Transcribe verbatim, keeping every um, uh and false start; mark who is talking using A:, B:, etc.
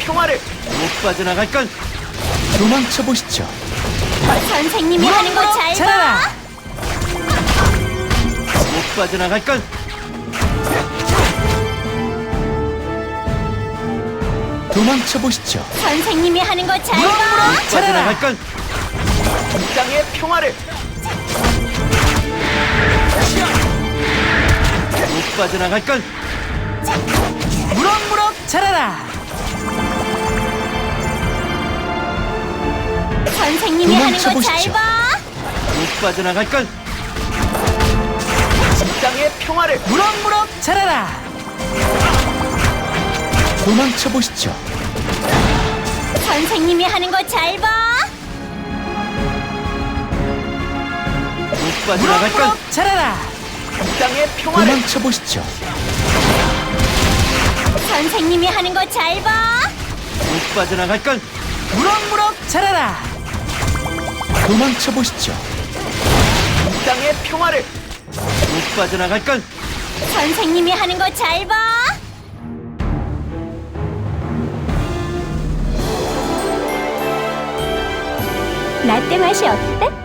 A: 평화를 못 빠져나갈걸.
B: 도망쳐 보시죠.
C: 선생님이 하는 거 잘
D: 잘해라.
C: 봐.
A: 못 빠져나갈걸.
B: 도망쳐 보시죠.
C: 선생님이 하는 거 잘 봐.
A: 못 빠져나갈걸. 이 땅의 평화를 못 빠져나갈걸.
D: 무럭무럭 자라라.
C: 선생님이 하는 거 잘
B: 도망쳐보시죠.
C: 봐.
A: 못 빠져나갈걸. 이 땅의 평화를
D: 무럭무럭 자라라.
B: 도망쳐 보시죠.
C: 선생님이 하는 거 잘 봐.
A: 못 빠져나갈걸.
D: 무럭무럭 자라라.
A: 이 땅의 평화를
B: 도망쳐 보시죠.
C: 선생님이 하는 거 잘 봐.
A: 못 빠져나갈걸.
D: 무럭무럭 자라라.
B: 도망쳐 보시죠.
A: 이 땅의 평화를 못 빠져나갈걸.
C: 선생님이 하는 거 잘 봐. 라떼 맛이 어때?